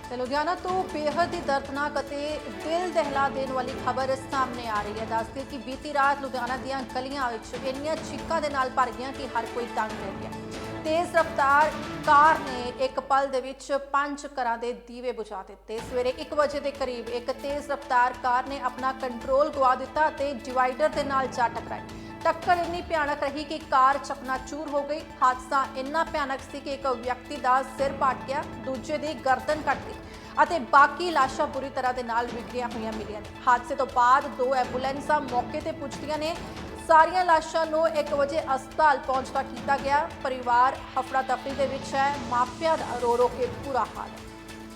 ਤੇ ਲੁਧਿਆਣਾ ਤੋਂ ਬੇਹੱਦ ਹੀ ਦਰਦਨਾਕ ਅਤੇ ਦਿਲ ਦਹਿਲਾ ਦੇਣ ਵਾਲੀ ਖਬਰ ਸਾਹਮਣੇ ਆ ਰਹੀ ਹੈ। ਦੱਸਦੇ ਕਿ ਬੀਤੀ ਰਾਤ ਲੁਧਿਆਣਾ ਦੀਆਂ ਗਲੀਆਂ ਵਿੱਚ ਇੰਨੀਆਂ ਚੀਕਾਂ ਦੇ ਨਾਲ ਭਰ ਗਈਆਂ ਕਿ ਹਰ ਕੋਈ ਦੰਗ ਰਹਿ ਗਿਆ। ਤੇਜ਼ ਰਫ਼ਤਾਰ ਕਾਰ ਨੇ ਇੱਕ ਪਲ ਦੇ ਵਿੱਚ 5 ਘਰਾਂ ਦੇ ਦੀਵੇ ਬੁਝਾ ਦਿੱਤੇ। ਸਵੇਰੇ 1 ਵਜੇ ਦੇ ਕਰੀਬ ਇੱਕ ਤੇਜ਼ ਰਫ਼ਤਾਰ ਕਾਰ ਨੇ ਆਪਣਾ ਕੰਟਰੋਲ ਗਵਾ ਦਿੱਤਾ ਤੇ ਡਿਵਾਈਡਰ ਦੇ ਨਾਲ ਜਾ ਟਕਰਾਈ। टक्कर इन्नी भयानक रही कि कार चकनाचूर हो गई। हादसा इन्ना भयानक सी कि एक व्यक्ति का सिर पाट गया, दूजे की गर्दन कट गई ਅਤੇ बाकी लाशां बुरी तरह के नाल विखरिया हुई मिलियां ने। हादसे तो बाद 2 एंबूलेंसां मौके ते पुजदियां ने। सारियां लाशां नूं 1 वजे अस्पताल पहुंचदा कीता गया। परिवार हफड़ा दफड़ी दे विच है, मापिया दा रो रो के बुरा हाल है।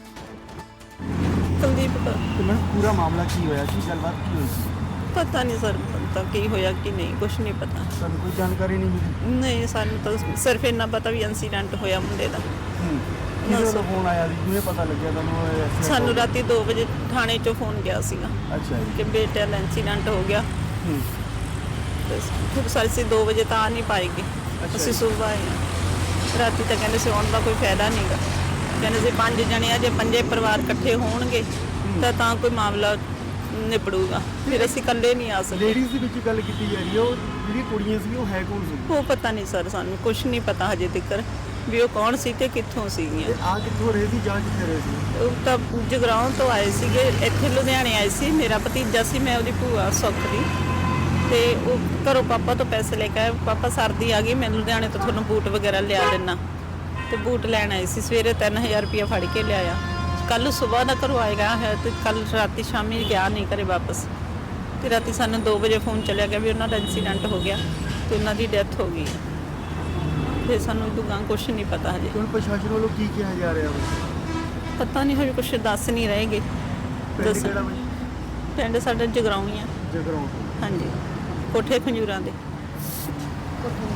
कुलदीप तो मैडम पूरा मामला की होया की गलबात की हुई? पता नहीं सर, तो की होया कि नहीं कुछ नहीं पता। ਤੁਹਾਨੂੰ ਕੋਈ ਜਾਣਕਾਰੀ ਨਹੀਂ ਮਿਲੀ? नहीं सानू तो सिर्फ इन्ना पता भी इंसीडेंट होया मुंडे दा। ਕਿਹਦੇ ਵੱਲੋਂ ਫੋਨ ਆਇਆ ਜੀ? ਕਿਵੇਂ ਪਤਾ ਲੱਗਿਆ ਤੁਹਾਨੂੰ ਇਹ accident सानू ਹੋ ਗਿਆ? राती 2 बजे थाने चो फोन गया सीगा ਅੱਛਾ ਜੀ। कि बेटे दा इंसीडेंट हो गया। तो खूब सारी सी 2 बजे तो आ नहीं पाएगी। अच्छा ਅਸੀਂ जी। सुबह आए हैं। राती तो कहते से आने का कोई फायदा नहीं गा। कहते से 5 जने आ जे 5 परिवार इकट्ठे होणगे ਤਾਂ कोई मामला ਨਿਬੜੂਗਾ। ਫਿਰ ਅਸੀਂ ਇਕੱਲੇ ਨਹੀਂ ਆ ਸਕਦੇ। ਲੇਡੀਜ਼ ਦੀ ਵਿੱਚ ਗੱਲ ਕੀਤੀ ਜਾ ਰਹੀ ਹੈ, ਉਹ ਜਿਹੜੀ ਕੁੜੀਆਂ ਸੀ ਉਹ ਹੈ ਕੌਣ ਸੀ? ਉਹ ਪਤਾ ਨਹੀਂ ਸਰ, ਸਾਨੂੰ ਕੁਝ ਨਹੀਂ ਪਤਾ ਹਜੇ ਤੱਕ ਵੀ ਉਹ ਕੌਣ ਸੀ ਤੇ ਕਿੱਥੋਂ ਸੀਗੀਆਂ। ਤੇ ਆ ਕਿੱਥੋਂ ਰਹੇ ਸੀ ਜਾਂ ਕਿੱਥੇ ਰਹੇ ਸੀ? ਉਹ ਤਾਂ ਜਗਰਾਉਂ ਤੋਂ ਆਏ ਸੀਗੇ, ਇੱਥੇ ਲੁਧਿਆਣੇ ਆਏ ਸੀ। ਮੇਰਾ ਭਤੀਜਾ ਸੀ, ਮੈਂ ਉਹਦੀ ਭੂਆ ਸੁੱਖ ਦੀ। ਤੇ ਉਹ ਘਰੋਂ ਪਾਪਾ ਤੋਂ ਪੈਸੇ ਲੈ ਕੇ ਆਏ। ਪਾਪਾ ਸਰਦੀ ਆ ਗਈ, ਮੈਂ ਲੁਧਿਆਣੇ ਤੋਂ ਤੁਹਾਨੂੰ ਬੂਟ ਵਗੈਰਾ ਲਿਆ ਦਿੰਨਾ। ਤੇ ਬੂਟ ਲੈਣ ਆਏ ਸੀ। ਸਵੇਰੇ 3000 ਰੁਪਇਆ ਫੜ ਕੇ ਲਿਆਇਆ। ਕੱਲ ਸੁਬਾਹ ਦਾ ਘਰੋਂ ਆਏਗਾ ਹੈ ਤੇ ਕੱਲ ਰਾਤੀ ਸ਼ਾਮੀ ਗਿਆ ਨਹੀਂ ਘਰੇ ਵਾਪਸ। ਤੇ ਰਾਤੀ ਸਾਨੂੰ 2 ਵਜੇ ਫੋਨ ਚੱਲਿਆ ਗਿਆ ਵੀ ਉਹਨਾਂ ਦਾ ਇਨਸੀਡੈਂਟ ਹੋ ਗਿਆ ਤੇ ਉਹਨਾਂ ਦੀ ਡੈਥ ਹੋ ਗਈ। ਤੇ ਸਾਨੂੰ ਦੁਗਾਂ ਕੁਝ ਨਹੀਂ ਪਤਾ ਹਜੇ। ਹੁਣ ਪ੍ਰਸ਼ਾਸਨ ਵੱਲੋਂ ਕੀ ਕਿਹਾ ਜਾ ਰਿਹਾ ਹੈ? ਪਤਾ ਨਹੀਂ ਹਜੇ ਕੁਝ ਦੱਸ ਨਹੀਂ ਰਹੇਗੇ। ਪਿੰਡ ਕਿਹੜਾ ਬਈ? ਪਿੰਡ ਸਾਡਾ ਜਗਰਾਉਂ ਹੀ ਆ। ਜਗਰਾਉਂ। ਹਾਂਜੀ, ਕੋਠੇ ਖੰਜੂਰਾਂ ਦੇ।